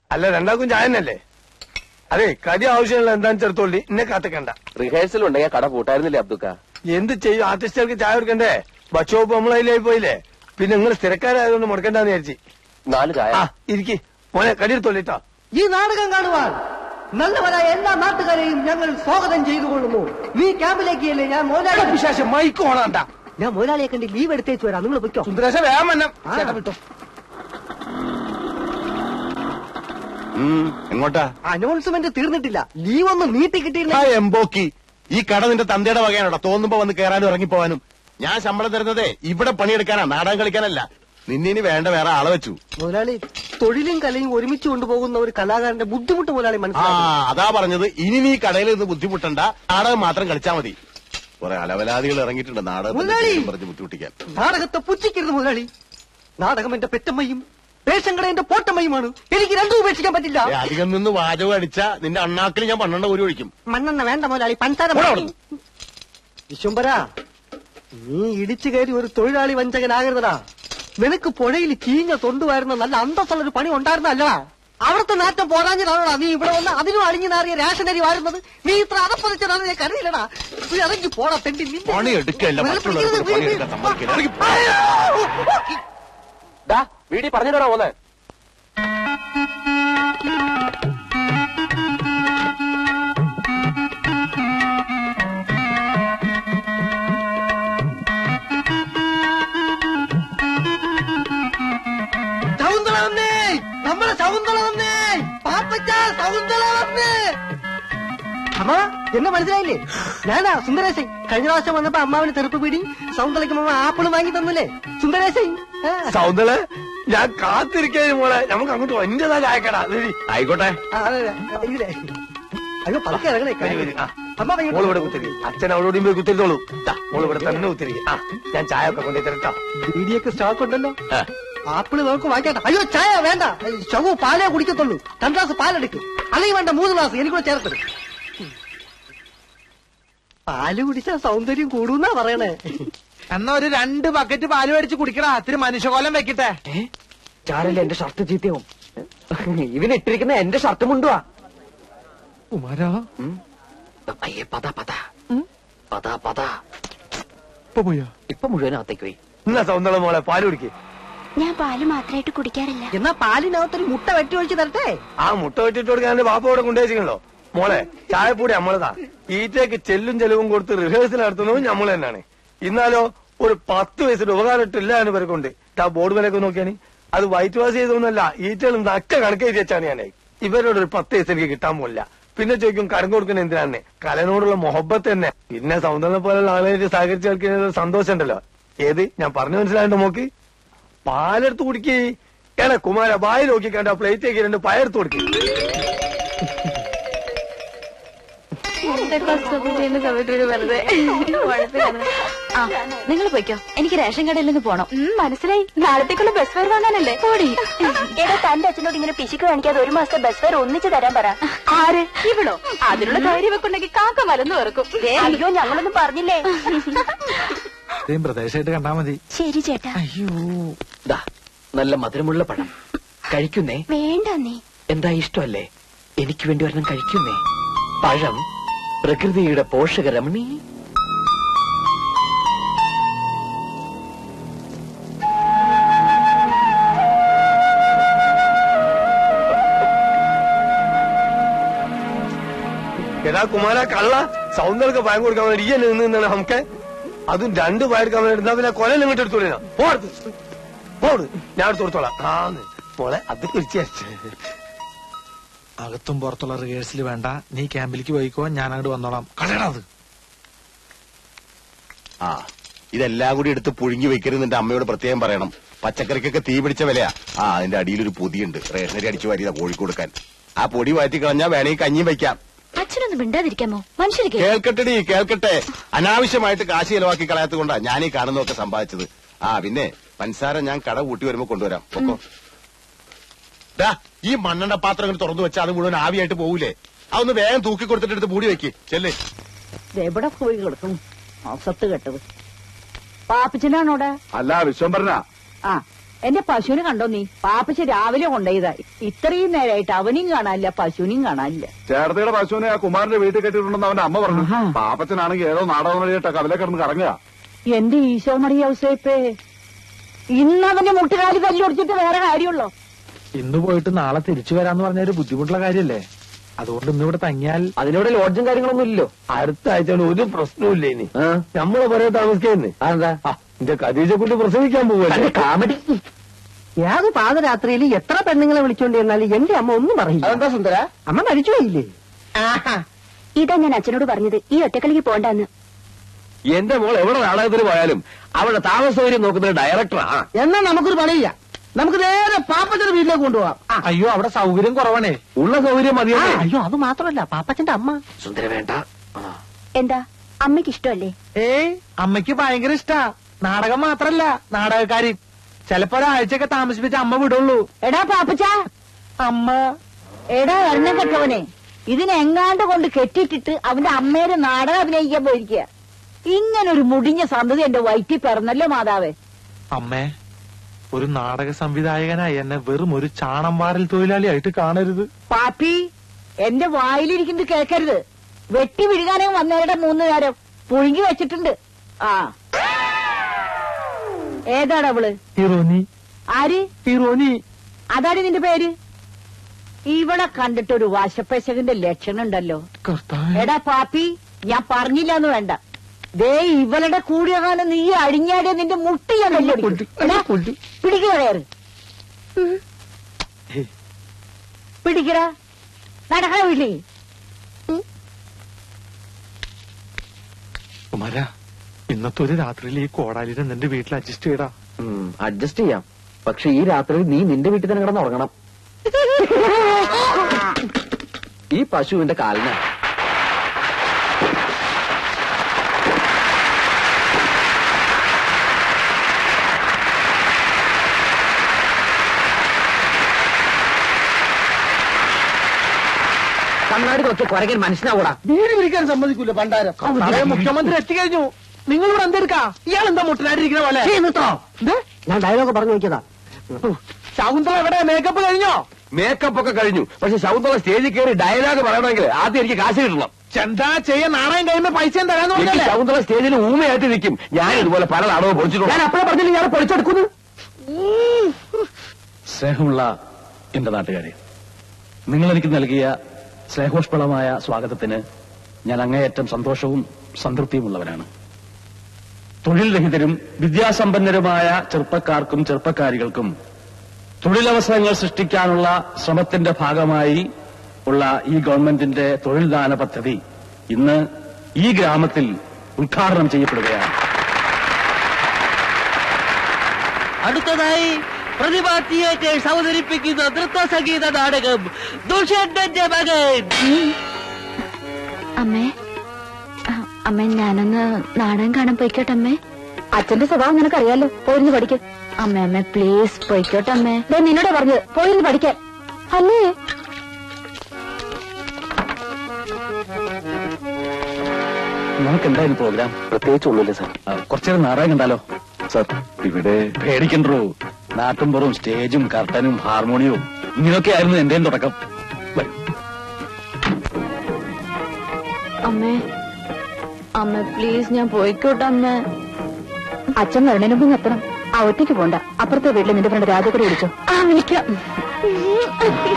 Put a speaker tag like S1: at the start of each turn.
S1: അല്ല രണ്ടാക്കും ചായ തന്നെയല്ലേ? അതെ, കടി ആവശ്യമുള്ള എന്താന്ന് ചേർത്തോളി, എന്നെ കാത്തിക്കണ്ട.
S2: റിഹേഴ്സൽ ഉണ്ടെങ്കിൽ കട പൂട്ടായിരുന്നില്ലേ അബ്ദുക്ക?
S1: എന്ത് ചെയ്യും, ആർട്ടിസ്റ്റുകൾക്ക് ചായ കൊടുക്കണ്ടേ? ബച്ചോപ്പ് നമ്മളതിലായി പോയില്ലേ. പിന്നെ നിങ്ങൾ സ്ഥിരക്കാരായതുകൊണ്ട് മുടക്കണ്ടെന്ന് വിചാരിച്ചു.
S2: 4 ചായ.
S1: ഇരിക്കി മോനെ, കടി എടുത്തോളിട്ടോ.
S3: ഈ നാടകം കാണുവാൻ നല്ലവരായ എല്ലാ നാട്ടുകാരെയും ഞങ്ങൾ സ്വാഗതം ചെയ്തുകൊള്ളുന്നു. ഈ ക്യാമ്പിലേക്കല്ലേ ഞാൻ മോലാളി.
S1: വിശേഷം മൈക്ക് ഓണാണ്ട.
S3: ഞാൻ മോലാളിയെ കണ്ട് ലീവ് എടുത്തേച്ചു വരാം, നിങ്ങൾ പൊയ്ക്കോ.
S1: സുന്ദരേശ വേഗം വന്നം. വിട്ടോ.
S4: എങ്ങോട്ടാ?
S3: അനൗൺസ്മെന്റ് തീർന്നിട്ടില്ല, ലീവ് ഒന്ന് നീട്ടി കിട്ടിയില്ല.
S4: എംബോക്കി, ഈ കട നിന്റെ തന്തയുടെ വകയാണോടാ? തോന്നുമ്പോ വന്ന് കയറാനും ഇറങ്ങിപ്പോവാനും. ഞാൻ ശമ്പളം തരുന്നതേ ഇവിടെ പണിയെടുക്കാനാ, നാടകം കളിക്കാനല്ല. നിന്നിനി വേണ്ട വേറെ ആളെ വെച്ചു.
S3: മുതലാളി, തൊഴിലും കലയും ഒരുമിച്ച് കൊണ്ടുപോകുന്ന ഒരു കലാകാരന്റെ ബുദ്ധിമുട്ട് മുതലാളി മനസ്സിലാക്കി.
S4: അതാ പറഞ്ഞത്, ഇനി നീ കടയിൽ നിന്ന് ബുദ്ധിമുട്ടണ്ട, നാടകം മാത്രം കളിച്ചാ മതി. കുറെ അലവലാദികൾ ഇറങ്ങിയിട്ടുണ്ട് നാടകം പറഞ്ഞ് ബുദ്ധിമുട്ടിക്കാൻ.
S3: നാടകത്തെ പുച്ഛിക്കരുത് മുതലാളി. നാടകം എന്റെ പെറ്റമ്മയും റേഷൻ കട എന്റെ പോട്ടമ്മയുമാണ്. എനിക്ക് രണ്ടും ഉപേക്ഷിക്കാൻ പറ്റില്ല.
S4: അധികം നിന്ന് വാചകം അടിച്ച നിന്റെ അണ്ണാക്കിൽ ഞാൻ 12 ഒരു ഒഴിക്കും.
S3: മണ്ണെണ്ണ വേണ്ട മുതലാളി, പഞ്ചാര. വിശ്വംബര, നീ ഇടിച്ചു കയറി ഒരു തൊഴിലാളി വഞ്ചകനാകരുതടാ. നിനക്ക് പുഴയിൽ ചീഞ്ഞ തൊണ്ടുവായിരുന്ന നല്ല അന്തസ്സുള്ളൊരു പണി ഉണ്ടായിരുന്നല്ലടാ. അവിടുത്തെ നാറ്റം പോരാഞ്ഞതാണോടാ നീ ഇവിടെ വന്ന് അതിനും അളിഞ്ഞു നാറിയ റേഷനരി വാഴുന്നത്? നീ ഇത്ര അതപ്പതിച്ചതാണ് ഞാൻ കരുതിയില്ലടാ. നീ ഇറങ്ങി പോടാ തെണ്ടി.
S4: പണി എടുക്കല്ല,
S2: വീടി പറഞ്ഞിട്ടാ പോന്നെ.
S3: സൗന്ദര വന്നേ, നമ്മളെ സൗന്ദര വന്നേ, പാപ്പച്ച സൗന്ദര വന്നേ. അമ്മ എന്നെ മനസ്സിലായില്ലേ? ഞാനാ സുന്ദരേശൻ. കഴിഞ്ഞ പ്രാവശ്യം വന്നപ്പോ അമ്മാവിന് തെറുപ്പ് പീടി, സൗന്ദരയ്ക്ക് അമ്മ ആപ്പിള് വാങ്ങി തന്നില്ലേ സുന്ദരേശൻ?
S1: സൗന്ദര്യ, ഞാൻ കാത്തിരിക്കേ മോളെ. നമുക്ക് അങ്ങോട്ട് എന്റേതാ ചായക്കടാ.
S4: ആയിക്കോട്ടെ.
S3: അയ്യോ പതുക്കെ ഇറങ്ങണേ.
S1: മോള് ഇവിടെ കുത്തിരി, അച്ഛൻ അവളോടും പോയി കുത്തിരിത്തോളൂ. മോള് ഇവിടെ തന്നെ കുത്തിരി. ഞാൻ ചായ ഒക്കെ കൊണ്ടു തരട്ടോ.
S3: ബീഡിയൊക്കെ സ്റ്റോക്ക് ഉണ്ടല്ലോ. ആപ്പിള് നമുക്ക് വാങ്ങിക്കട്ടെ. അയ്യോ ചായ വേണ്ട, ശവു പാലേ കുടിക്കത്തുള്ളൂ. 2 ഗ്ലാസ് പാലെടുക്കും, അല്ലെങ്കിൽ വേണ്ട 3 ഗ്ലാസ് എനിക്കൂടെ ചേർത്തത്. പാല് കുടിച്ചാ സൗന്ദര്യം കൂടുന്നാ പറയണേ.
S5: എന്നാ ഒരു 2 ബക്കറ്റ് പാല് മേടിച്ച് കുടിക്കടാ, ഇത്തിരി മനുഷ്യകോലം വെക്കട്ടെ.
S3: ചാരല്ലേ എന്റെ ഷർട്ട് ചീത്തയാവും. ഇവനിട്ടിരിക്കുന്ന എന്റെ ഷർട്ട് മുണ്ടുവാ.
S5: കുമാരാ
S3: ഇപ്പൊ മുഴുവനകത്തേക്ക് പോയി.
S1: എന്നാ സൗന്ദര്യ മോളെ പാല് കുടിക്കേ.
S6: ഞാൻ പാല് മാത്രമായിട്ട് കുടിക്കാറില്ല.
S3: എന്നാ പാലിനകത്തൊരു മുട്ട വെട്ടി ഒഴിച്ച് തരട്ടെ.
S1: ആ മുട്ട വെട്ടിട്ട് കൊടുക്കാൻ എന്റെ ബാപ്പ ഇവിടെ കൊണ്ടുവച്ചിട്ടുണ്ടോ? മോളെ ചായപ്പൊടി നമ്മളതാ. ഈറ്റയ്ക്ക് ചെല്ലും ചെലവും കൊടുത്ത് റിഹേഴ്സൽ നടത്തുന്നതും നമ്മൾ തന്നെയാണ്. ഇന്നാലോ ഒരു 10 വയസ്സിന്റെ ഉപകാരം ഇട്ടില്ല എന്ന് പേർക്കുണ്ട്. ആ ബോർഡ് വിലയൊക്കെ നോക്കിയാണ്. അത് വൈറ്റ് വാഷ് ചെയ്തൊന്നല്ല, ഈറ്റകളും നക്ക കണക്കെഴുതി വെച്ചാണ് ഞാനേ. ഇവരോട് ഒരു 10 വയസ്സ് എനിക്ക് കിട്ടാൻ പോലില്ല. പിന്നെ ചോദിക്കും കരം കൊടുക്കുന്ന എന്തിനാണ്? കലനോടുള്ള മൊഹബത്ത് തന്നെ. പിന്നെ സൗന്ദര്യം പോലുള്ള ആളുകളായിട്ട് സഹകരിച്ച് കളിക്കുന്ന സന്തോഷം ഉണ്ടല്ലോ. ഏത് ഞാൻ പറഞ്ഞു മനസ്സിലായിട്ട് നോക്കി. പാലെടുത്ത് കുടിക്കേ. ഏടാ കുമാര, വായി നോക്കിക്കണ്ട പ്ലേറ്റേക്ക് 2 പയർത്ത് കൊടുക്കേ.
S6: നിങ്ങൾ പോയിക്കോ, എനിക്ക് റേഷൻ കടയിൽ നിന്ന് പോണം. മനസ്സിലായി, നാളത്തേക്കുള്ള ബസ് ഫെയർ വാങ്ങാനല്ലേ? പോടി. ഏതാ തന്റെ അച്ഛനോട് ഇങ്ങനെ പിശുക്ക് കാണിക്കാതെ 1 മാസത്തെ ബസ് ഫെയർ ഒന്നിച്ച് തരാൻ പറ. ആര്? ഇവളോ? അതിനുള്ള ധൈര്യം വെക്കുണ്ടെങ്കിൽ കാക്ക മലന്ന് വെറുക്കും. അയ്യോ ഞങ്ങളൊന്നും പറഞ്ഞില്ലേ.
S5: പ്രദേശമായിട്ട് കണ്ടാ മതി.
S6: ശരി ചേട്ടാ.
S3: അയ്യോ നല്ല മധുരമുള്ള പഴം കഴിക്കുന്നേ.
S6: വേണ്ട നീ.
S3: എന്താ ഇഷ്ടമല്ലേ? എനിക്ക് വേണ്ടി ഒരെണ്ണം കഴിക്കുന്നേ. പഴം പ്രകൃതിയുടെ പോഷകരമണി.
S1: എടാ കുമാര കള്ള, സൗന്ദര്യ പയം കൊടുക്കാൻ വേണ്ടി ഈ എന്നെ നിന്നാണ് നമുക്ക്. അതും 2 പയർക്കാൻ വേണ്ടി എടുത്താ പിന്നെ കൊല ഇങ്ങോട്ട് എടുത്തോളാം. പോട്, ഞാൻ എടുത്ത് കൊടുത്തോളാം. മോളെ അത് കുറിച്ച്
S5: അകത്തും പുറത്തുള്ള റിഹേഴ്സൽ വേണ്ട, നീ ക്യാമ്പിലേക്ക് പോയിക്കോ, ഞാൻ അങ്ങോട്ട് വന്നോളാം. കളയണത്.
S4: ഇതെല്ലാം കൂടി എടുത്ത് പുഴുങ്ങി വെക്കരുത്. നിന്റെ അമ്മയോട് പ്രത്യേകം പറയണം. പച്ചക്കറിക്കൊക്കെ തീ പിടിച്ച വിലയാ. അതിന്റെ അടിയിലൊരു പൊതിയുണ്ട്, റേഷനരി അടിച്ചു വാരിയതാ കോഴിക്ക് കൊടുക്കാൻ. ആ പൊടി വാറ്റി കളഞ്ഞാ വേണമെങ്കിൽ കഞ്ഞിയും വെക്കാം.
S6: അച്ഛനൊന്നും മിണ്ടാതിരിക്കാമോ? മനുഷ്യർ
S4: കേൾക്കട്ടെടി, കേൾക്കട്ടെ. അനാവശ്യമായിട്ട് കാശ് ചെലവാക്കി കളയാത്തത് കൊണ്ടാ ഞാൻ ഈ കാണുന്നതൊക്കെ സമ്പാദിച്ചത്. പിന്നെ പഞ്ചസാര ഞാൻ കട കൂട്ടി വരുമ്പോ കൊണ്ടുവരാം. ഒക്കോ ഈ മണ്ണെണ്ണ പാത്രം ഇങ്ങനെ തുറന്നു വെച്ചാൽ അത് മുഴുവൻ ആവിയായിട്ട് പോകൂലേ? അതൊന്ന് വേഗം തൂക്കി കൊടുത്തിട്ട് എടുത്ത് മൂടി വെക്ക്. ചെല്ലേ.
S7: എവിടെ പോയി കിടക്കും അസത്ത് കെട്ടത്? പാപ്പച്ചനാണോടെ?
S8: അല്ല വിശ്വംഭരനാ.
S7: ആ എന്റെ പശുവിനെ കണ്ടോ നീ? പാപ്പച്ച രാവിലെ കൊണ്ടുപോയതാ. ഇത്രയും നേരമായിട്ട് അവനെയും കാണാനില്ല, പശുവിനെയും കാണാനില്ല.
S8: ചേർത്തയുടെ പശുവിനെ ആ കുമാരന്റെ വീട്ടിൽ കെട്ടിയിട്ടുണ്ടെന്ന് അവന്റെ അമ്മ പറഞ്ഞു. പാപ്പച്ചനാണെങ്കിൽ ഏതോ നാടകം വഴിയിട്ട് കവലെ കിടന്ന് കറങ്ങുക.
S7: എന്റെ ഈശോ മറിയ ഔസേപ്പേ, ഇന്നവന്റെ മുട്ടുകാലി തല്ലൊടിച്ചിട്ട് വേറെ കാര്യമുള്ളോ?
S5: ഇന്ന് പോയിട്ട് നാളെ തിരിച്ചു വരാന്ന് പറഞ്ഞ ഒരു ബുദ്ധിമുട്ടുള്ള കാര്യല്ലേ? അതുകൊണ്ട് ഇന്നിവിടെ തങ്ങിയാൽ
S2: അതിനോട് ലോഡ്ജും കാര്യങ്ങളൊന്നും ഇല്ലല്ലോ.
S1: അടുത്ത ആഴ്ച ഒരു പ്രശ്നവും ഇനി നമ്മളെ പറയാൻ താമസിക്കുന്നേ.
S2: അതെന്താ?
S1: എന്റെ ഖദീജ കുട്ടി പ്രസവിക്കാൻ പോവല്ലേ?
S2: കാമഡി.
S3: ഏത് പാതരാത്രിയിൽ എത്ര പെണ്ണുങ്ങളെ വിളിച്ചോണ്ട് ചെന്നാലും എന്റെ അമ്മ ഒന്നും പറയില്ല.
S2: അതെന്താ സുന്ദര?
S3: അമ്മ മരിച്ചുപോയില്ലേ?
S6: ഇതാ ഞാൻ അച്ഛനോട് പറഞ്ഞത്, ഈ ഒറ്റക്കളിക്ക് പോണ്ടെന്ന്.
S2: എന്റെ മോൾ എവിടെ നാടകത്തിന് പോയാലും അവളുടെ താമസ സൗകര്യം നോക്കുന്ന ഡയറക്ടറാ.
S3: എന്നാ നമുക്കൊരു പണിയില്ല, നമുക്ക് നേരെ പാപ്പച്ചന്റെ വീട്ടിലേക്ക് കൊണ്ടുപോവാം.
S5: അയ്യോ അവിടെ സൗകര്യം കുറവാണേ.
S2: ഉള്ള സൗകര്യം മതിയോ?
S3: അയ്യോ അത് മാത്രമല്ല, പാപ്പച്ചന്റെ അമ്മ.
S2: സുന്ദര വേണ്ട.
S6: എന്താ അമ്മയ്ക്ക് ഇഷ്ടമല്ലേ?
S5: ഏയ് അമ്മയ്ക്ക് ഭയങ്കര ഇഷ്ടാ. നാടകം മാത്രല്ല, നാടകക്കാരി. ചിലപ്പോ ഒരാഴ്ചയൊക്കെ താമസിപ്പിച്ച അമ്മ വിടുള്ളൂ.
S7: എടാ പാപ്പച്ച,
S5: അമ്മ
S7: എടാ എണ്ണ കെട്ടവനെ, ഇതിനെങ്ങാണ്ട് കൊണ്ട് കെട്ടിട്ടിട്ട് അവന്റെ അമ്മേരെ നാടകം അഭിനയിക്കാൻ പോയിരിക്കുക. ഇങ്ങനൊരു മുടിഞ്ഞ സന്തതി എന്റെ വയറ്റിൽ പിറന്നല്ലോ മാതാവേ.
S5: അമ്മേ, ഒരു നാടക സംവിധായകനായി എന്നെ വെറും ഒരു ചാണം വാരൽ തൊഴിലാളിയായിട്ട് കാണരുത്.
S7: പാപ്പി, എന്റെ വായിലിരിക്കുന്നത് കേൾക്കരുത്. വെട്ടി വിഴുകാനേ വന്നവരുടെ 3 നേരം പുഴുങ്ങി വെച്ചിട്ടുണ്ട്. ആ ഏതാടാ അവള്?
S5: ഹീറോനി.
S7: ആര്?
S5: ഹീറോനി.
S7: അതാണ് നിന്റെ പേര്? ഇവളെ കണ്ടിട്ടൊരു വശപ്പശകന്റെ ലക്ഷണം ഉണ്ടല്ലോ. എടാ പാപ്പി, ഞാൻ പറഞ്ഞില്ലാന്ന് വേണ്ട. ദേ ഇവളുടെ കൂടിയ കാലം നീ അഴിഞ്ഞാടിയ നിന്റെ മുട്ടി ഞാൻ പിടിക്കുക. കയറ് പിടിക്കടാ, നടക്കണ വീട്ടിൽ.
S5: കുമാര, ഇന്നത്തെ ഒരു രാത്രിയിൽ ഈ കോടാലിനെ നിന്റെ വീട്ടിൽ അഡ്ജസ്റ്റ് ചെയ്യടാ.
S2: അഡ്ജസ്റ്റ് ചെയ്യാം, പക്ഷെ ഈ രാത്രി നീ നിന്റെ വീട്ടിൽ തന്നെ കിടന്ന് ഉറങ്ങണം. ഈ പശുവിന്റെ കാലിന കണ്ണാടി നോക്കി കുരകൻ മനസ്സിലാവൂടാ.
S3: വീട് വിളിക്കാൻ സമ്മതിക്കൂല പണ്ടാരം.
S5: മുഖ്യമന്ത്രി എത്തിക്കഴിഞ്ഞു. നിങ്ങൾ ഇവിടെ എന്തെടുക്കാ? ഇയാൾ എന്താ മുട്ടനായിട്ടിരിക്കുന്ന പോലെ?
S3: ഞാൻ ഡയലോഗ് പറഞ്ഞു നോക്കിയതാ.
S5: ശകുന്തള എവിടെ? മേക്കപ്പ് കഴിഞ്ഞോ?
S2: മേക്കപ്പ് ഒക്കെ കഴിഞ്ഞു, പക്ഷെ ശകുന്തള സ്റ്റേജിൽ കയറി ഡയലോഗ് പറയണമെങ്കിൽ ആദ്യം എനിക്ക് കാശ് കിട്ടണം.
S5: ചെന്താ ചെയ്യാൻ നാണയം കഴിയുമ്പോ പൈസയും തരാന്ന് പറഞ്ഞല്ലേ?
S2: ശകുന്തള സ്റ്റേജിൽ ഊമയായിട്ട് നിൽക്കും. ഞാൻ ഇതുപോലെ പല നാടകവും പൊളിച്ചിട്ടുണ്ട്. ഞാൻ അപ്പഴേ പറഞ്ഞില്ല ഞാൻ പൊളിച്ചെടുക്കുന്നു.
S9: സ്നേഹമുള്ള എന്റെ നാട്ടുകാരെ, നിങ്ങൾ എനിക്ക് നൽകിയ സ്നേഹോഷ്പളമായ സ്വാഗതത്തിന് ഞാൻ അങ്ങേയറ്റം സന്തോഷവും സംതൃപ്തിയുമുള്ളവരാണ്. തൊഴിൽ രഹിതരും വിദ്യാസമ്പന്നരുമായ ചെറുപ്പക്കാർക്കും ചെറുപ്പക്കാരികൾക്കും തൊഴിലവസരങ്ങൾ സൃഷ്ടിക്കാനുള്ള ശ്രമത്തിന്റെ ഭാഗമായി ഉള്ള ഈ ഗവൺമെന്റിന്റെ തൊഴിൽദാന പദ്ധതി ഇന്ന് ഈ ഗ്രാമത്തിൽ ഉദ്ഘാടനം ചെയ്യപ്പെടുകയാണ്.
S3: അടുത്തതായി പ്രതിഭാ തിയേറ്റേഴ്സ് അവതരിപ്പിക്കുന്ന നൃത്ത സംഗീത നാടകം ദുഷ്യന്തന്റെ മകൻ.
S6: അമ്മേ, അമ്മേ ഞാനൊന്ന് നാടകം കാണാൻ പോയിക്കോട്ടെ അമ്മേ. അച്ഛന്റെ സ്വഭാവം നിനക്കറിയാലോ, പോയിരുന്നു പഠിക്കും. അമ്മേ അമ്മേ പ്ലീസ് പോയിക്കോട്ടെ അമ്മേ. നിന്നോട് പറഞ്ഞത് പോയിരുന്നു പഠിക്കാൻ അല്ലേ?
S9: നമുക്ക് എന്തായാലും പ്രോഗ്രാം
S2: പ്രത്യേകിച്ച് ഒന്നുമില്ല സാർ.
S9: കുറച്ചേരം നാടകം കണ്ടാലോ?
S2: സാർ ഇവിടെ
S9: പേടിക്കണ്ടോ, നാട്ടുംപുറവും സ്റ്റേജും കർട്ടനും ഹാർമോണിയവും ഇങ്ങനെയൊക്കെ ആയിരുന്നു എന്റെയും തുടക്കം.
S6: അമ്മേ അമ്മ പ്ലീസ് ഞാൻ പോയിക്കോട്ടെ അമ്മേ. അച്ഛൻ വരണേന് മുമ്പ് എത്തണം. ആ ഒറ്റയ്ക്ക് പോണ്ട. അപ്പുറത്തെ വീട്ടിൽ നിന്റെ ഫ്രണ്ട് രാജകുടി വിളിച്ചോ? ആ വിളിക്കാം.